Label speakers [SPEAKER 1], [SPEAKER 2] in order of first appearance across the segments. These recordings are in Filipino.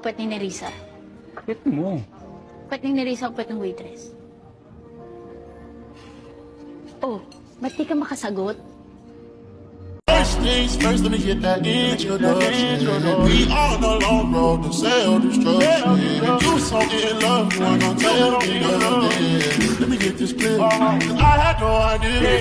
[SPEAKER 1] puwet ni Nerissa?
[SPEAKER 2] Pwet mo.
[SPEAKER 1] Puwet ni Nerissa o puwet ng waitress? Oh, ba't di ka makasagot?
[SPEAKER 3] First things first, let me get that introduction. We on the long road to self-destruction. You so in love, you wanna tell me nothing. Let me get this clear, 'cause I had no idea.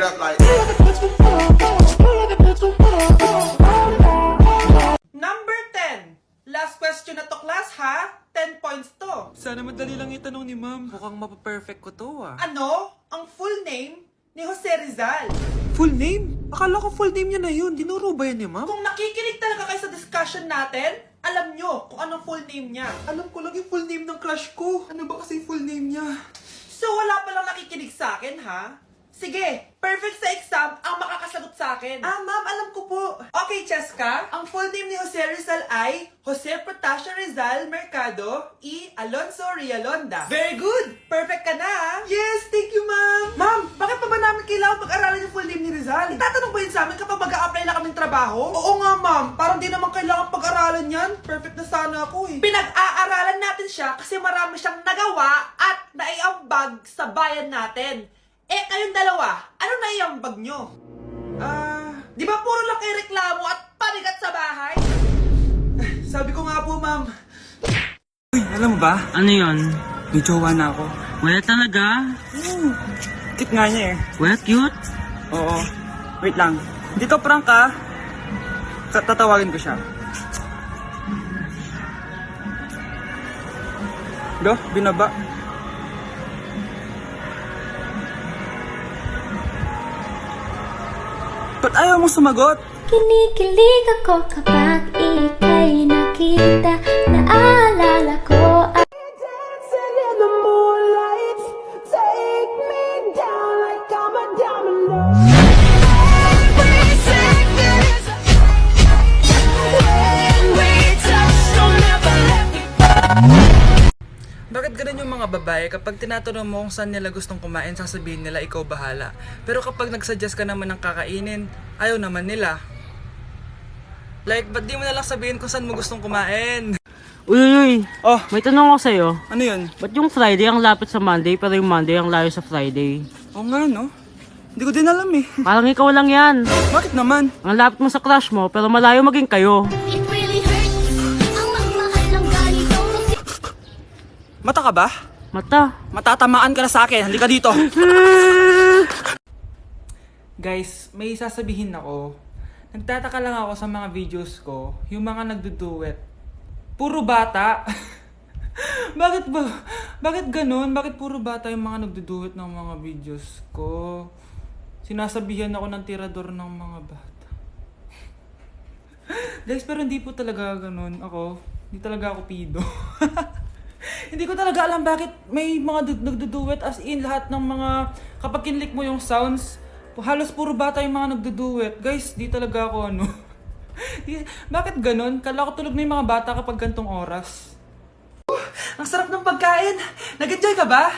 [SPEAKER 4] Number 10. Last question na to, class, ha? 10 points to.
[SPEAKER 5] Sana madali lang itanong ni ma'am. Mukhang mapaperfect ko to
[SPEAKER 4] Ano? Ang full name ni Jose Rizal.
[SPEAKER 5] Full name? Akala ko full name niya na yun. Dinuro ba yan ni ma'am?
[SPEAKER 4] Kung nakikinig talaga kayo sa discussion natin, alam nyo kung anong full name niya.
[SPEAKER 5] Alam ko lang yung full name ng crush ko. Ano ba kasi yung full name niya?
[SPEAKER 4] So wala palang nakikinig sa akin, ha? Sige, perfect sa exam ang makakasagot sa akin. Ma'am, alam ko po. Okay, Cheska, ang full name ni Jose Rizal ay Jose Protasio Rizal Mercado E. Alonso Rialonda. Very good! Perfect ka na, ha? Yes, thank you, ma'am. Ma'am, bakit pa ba namin kailangan pag-aralan yung full name ni Rizal? Itatanong ba yun sa amin kapag mag-a-apply na kaming trabaho? Oo nga, ma'am. Parang di naman kailangan pag-aralan yan. Perfect na sana ako, eh. Pinag-aaralan natin siya kasi marami siyang nagawa at naiambag sa bayan natin. Eh, kayong dalawa, ano naiambag nyo? Di ba puro lang kayo reklamo at panigat sa bahay? Sabi ko nga po, ma'am.
[SPEAKER 5] Uy, alam mo ba?
[SPEAKER 6] Ano yun?
[SPEAKER 5] May jowa na ako.
[SPEAKER 6] Wala talaga?
[SPEAKER 5] Cute nga niya eh.
[SPEAKER 6] Wala cute?
[SPEAKER 5] Oo. Wait lang. Dito prank ka. Tatawagin ko siya. Do, binaba. Ba't ayaw mong sumagot?
[SPEAKER 7] Kinikilig ako kapag ika'y nakita. Naalala ko ang dancing in the moonlight. Take me down like I'm a domino. Every second is a when we touch, don't ever let me
[SPEAKER 5] Bakit ganun yung mga babae kapag tinatanong mo kung saan nila gustong kumain, sasabihin nila ikaw bahala. Pero kapag nagsuggest ka naman ng kakainin, ayaw naman nila. Like, ba't di mo nalang sabihin kung saan mo gustong kumain?
[SPEAKER 6] Uy,
[SPEAKER 5] Oh,
[SPEAKER 6] may tanong ako sa'yo.
[SPEAKER 5] ano yun?
[SPEAKER 6] Ba't yung Friday ang lapit sa Monday pero yung Monday ang layo sa Friday?
[SPEAKER 5] Oo nga, no? Hindi ko din alam eh.
[SPEAKER 6] Parang ikaw lang yan.
[SPEAKER 5] Bakit naman?
[SPEAKER 6] Ang lapit mo sa crush mo pero malayo maging kayo.
[SPEAKER 7] It really hurts ang magmahal ng ganito kasi
[SPEAKER 5] Mata ka ba?
[SPEAKER 6] Mata.
[SPEAKER 5] Matatamaan ka na sa akin. Halika dito. Guys, may sasabihin ako. Nagtataka lang ako sa mga videos ko, yung mga nagduduet. Puro bata. Bakit ba? Bakit ganun? Bakit puro bata yung mga nagduduet ng mga videos ko? Sinasabihan ako ng tirador ng mga bata. Guys, pero hindi po talaga ganun. Hindi talaga ako pido. Hindi ko talaga alam bakit may mga nagduduet as in lahat ng mga kapag kinlik mo yung sounds, halos puro bata yung mga nagduduet. Guys, di talaga ako bakit ganun? Kala ko tulog na yung mga bata kapag gantong oras. Ang sarap ng pagkain! Nag-enjoy ka ba?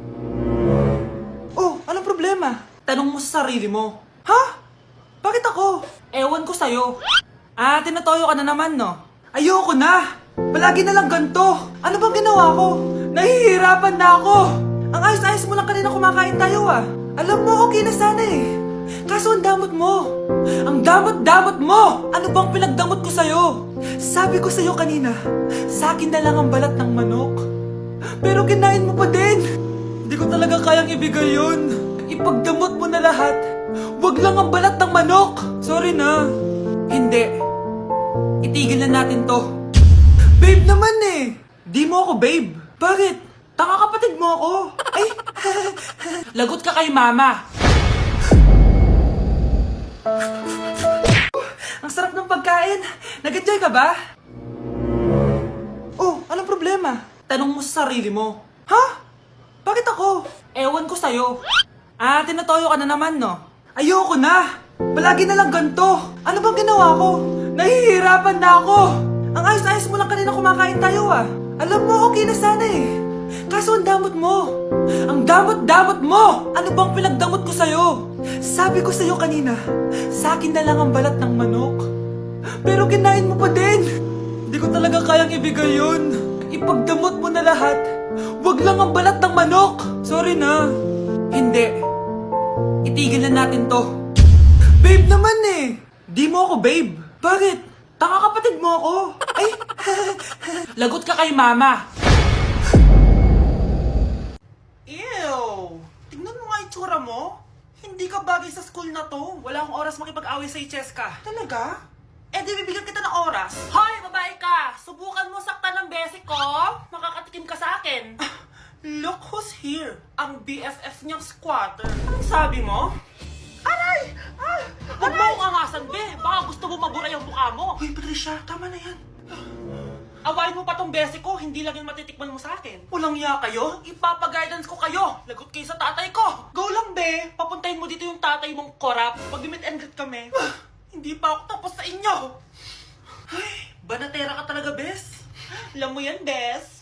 [SPEAKER 5] Oh, anong problema? Tanong mo sa sarili mo. Ha? Bakit ako? Ewan ko sa'yo. Tinatoyo ka na naman, no? Ayoko na! Palagi na lang ganito. Ano bang ginawa ko? Nahihirapan na ako. Ang ayos-ayos mo lang kanina kumakain tayo Alam mo, okay na sana eh. Kaso ang damot mo. Ang damot-damot mo. Ano bang pinagdamot ko sa'yo? Sabi ko sa'yo kanina, sa akin na lang ang balat ng manok. Pero kinain mo pa din. Hindi ko talaga kayang ibigay yun. Ipagdamot mo na lahat. Wag lang ang balat ng manok. Sorry na. Hindi. Itigil na natin to. Babe naman eh! Di mo ako babe. Bakit? Tanga kapatid mo ako. Ay, lagot ka kay mama. Ang sarap ng pagkain. Nag-enjoy ka ba? Oh, anong problema? Tanong mo sa sarili mo. Ha? Bakit ako? Ewan ko sa'yo. Tinatoyo ka na naman, no? Ayoko na! Palagi na lang ganito. Ano bang ginawa ko? Nahihirapan na ako. Ang ayos-ayos mo lang kanina kumakain tayo Alam mo, okay na sana eh. Kaso ang damot mo. Ang damot-damot mo. Ano bang pinagdamot ko sa'yo? Sabi ko sa'yo kanina, sa akin na lang ang balat ng manok. Pero kinain mo pa din. Hindi Di ko talaga kayang ibigay yun. Ipagdamot mo na lahat. Wag lang ang balat ng manok. Sorry na. Hindi. Itigil na natin to. Babe naman eh. Di mo ako babe. Bakit? Taka kapatid mo ako. Ay. Lagot ka kay mama. Ew. Tingnan mo nga itsura mo. Hindi ka bagay sa school na to. Wala akong oras makipag-away sa Cheska. Talaga? Eh di bibigyan kita ng oras. Hoy, babae ka! Subukan mo saktan ng basic ko. Makakatikim ka sa akin. Look who's here. Ang BFF niyang squatter. Anong sabi mo? Aray! Huwag mo akong angasan, be. Baka gusto mo mabura yung mukha mo. Hoy, Patricia, tama na yan. Awayin mo pa tong basic ko, hindi lang yung matitikman mo sa akin. Walang iya kayo, ipapag-guidance ko kayo. Lagot kayo sa tatay ko. Go lang, be. Papuntahin mo dito yung tatay mong korap. Pag-meet and greet kami. Hindi pa ako tapos sa inyo. Ay, banatera ka talaga, bes. Alam mo yan, bes.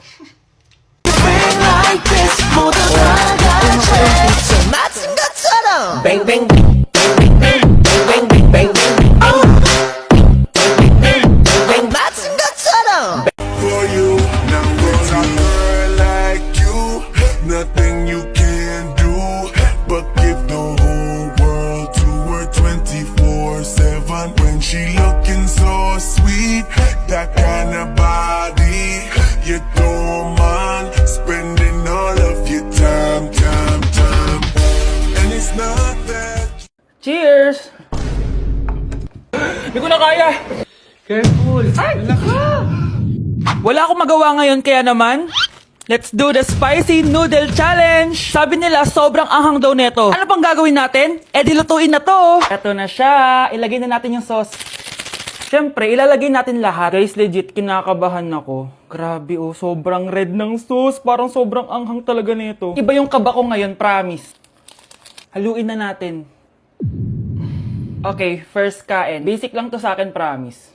[SPEAKER 3] For you, now there's a girl like you. Nothing you can do but give the whole world to her 24/7. When she looking so sweet, that kind of body, you don't mind spending all of your time. And it's not that.
[SPEAKER 5] Cheers! Hindi ko na kaya. Careful. Ay! Wala akong magawa ngayon kaya naman, let's do the spicy noodle challenge! Sabi nila, sobrang anghang daw neto. Ano pang gagawin natin? Eh, dilutuin na to! Eto na siya. Ilagay na natin yung sauce. Siyempre, ilalagay natin lahat. Guys, legit, kinakabahan ako. Grabe oh, sobrang red ng sauce. Parang sobrang anghang talaga nito. Iba yung kaba ko ngayon, promise. Haluin na natin. Okay, first kain. Basic lang to sa akin, promise.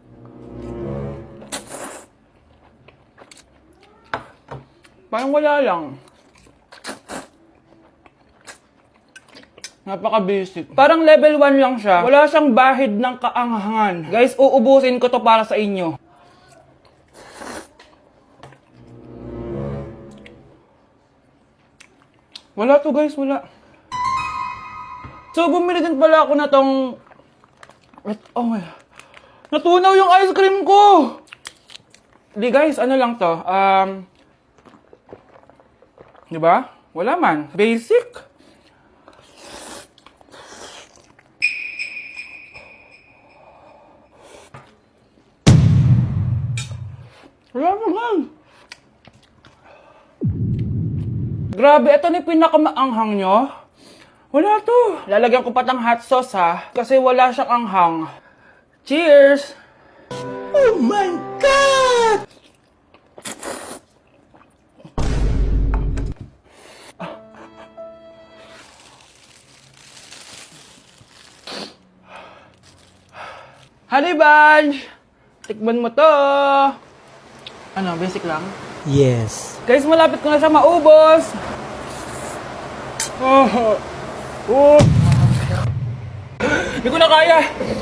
[SPEAKER 5] Parang wala lang. Napaka-basic. Parang level 1 lang siya. Wala siyang bahid ng kaanghangan. Guys, uubusin ko to para sa inyo. Wala to guys, wala. So, bumili din pala ako na tong... Oh my... Natunaw yung ice cream ko! Di guys, ano lang to? Diba? Wala man. Basic. Wala naman. Grabe, ito na yung pinakamaanghang nyo. Wala to. Lalagyan ko pa ng hot sauce ha. Kasi wala siyang anghang. Cheers! Oh my God! Honey Bunch! Tikman mo to! Ano, basic lang?
[SPEAKER 6] Yes.
[SPEAKER 5] Guys, malapit ko na siya maubos! Oh! Oh! Hindi ko na kaya!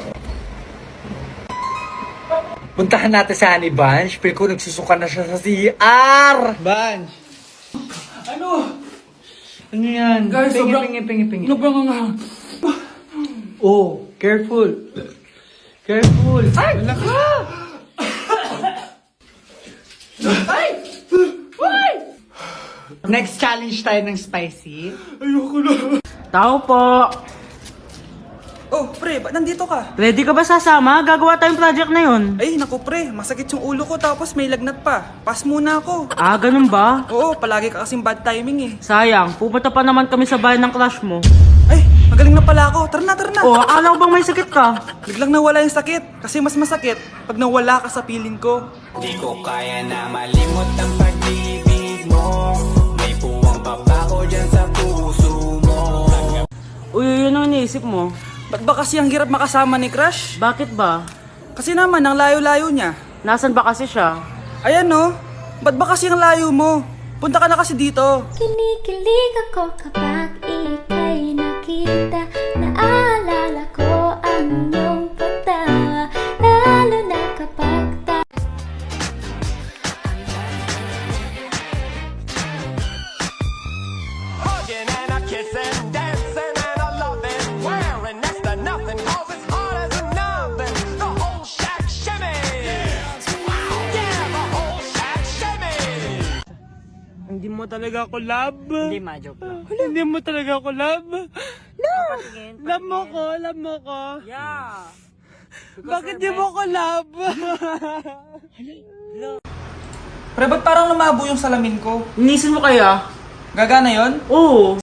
[SPEAKER 2] Puntahan natin sa Honey Bunch, pero kung nagsusuka na siya sa CR!
[SPEAKER 5] Bunch! Ano?
[SPEAKER 2] Ano yan?
[SPEAKER 5] Guys,
[SPEAKER 2] pingi.
[SPEAKER 5] sobrang anghang.
[SPEAKER 2] Oh, careful. Careful.
[SPEAKER 5] Ay!
[SPEAKER 2] Next challenge tayo ng spicy.
[SPEAKER 5] Ayoko na.
[SPEAKER 6] Tao po.
[SPEAKER 5] Oh, pre, ba't nandito ka?
[SPEAKER 6] Ready ka ba sasama? Gagawa tayong project na yun.
[SPEAKER 5] Ay, naku pre, masakit yung ulo ko tapos may lagnat pa. Pass muna ako.
[SPEAKER 6] Ah, ganun ba?
[SPEAKER 5] Oo, palagi ka kasing bad timing eh.
[SPEAKER 6] Sayang, pupunta pa naman kami sa bahay ng crush mo.
[SPEAKER 5] Ay, magaling na pala ako. Tara na.
[SPEAKER 6] Oh, akala ko bang may sakit ka?
[SPEAKER 5] Biglang nawala yung sakit. Kasi mas masakit pag nawala ka sa piling ko.
[SPEAKER 8] Di ko kaya na malimot ang pag-ibig mo. May puwang papako dyan sa puso mo.
[SPEAKER 6] Uy, yun ang iniisip mo.
[SPEAKER 5] Ba't ba kasi ang hirap makasama ni Crush?
[SPEAKER 6] Bakit ba?
[SPEAKER 5] Kasi naman, ang layo-layo niya.
[SPEAKER 6] Nasan ba kasi siya?
[SPEAKER 5] Ayan no, ba't ba kasi ang layo mo? Punta ka na kasi dito.
[SPEAKER 7] Kinikilig ako kapag ika'y nakita. Naalala ko ang iyong pagtawa, lalo na kapag
[SPEAKER 6] talaga ako, love.
[SPEAKER 5] Hindi ma, joke lang.
[SPEAKER 6] Hindi mo talaga ako, love.
[SPEAKER 5] Patingin,
[SPEAKER 6] Love mo ko, love mo ko.
[SPEAKER 5] Yeah.
[SPEAKER 6] Bakit di mo ko love?
[SPEAKER 5] Pre, ba't parang lumabo yung salamin ko?
[SPEAKER 6] Inisin mo kaya?
[SPEAKER 5] Gagana yon?
[SPEAKER 6] Oo.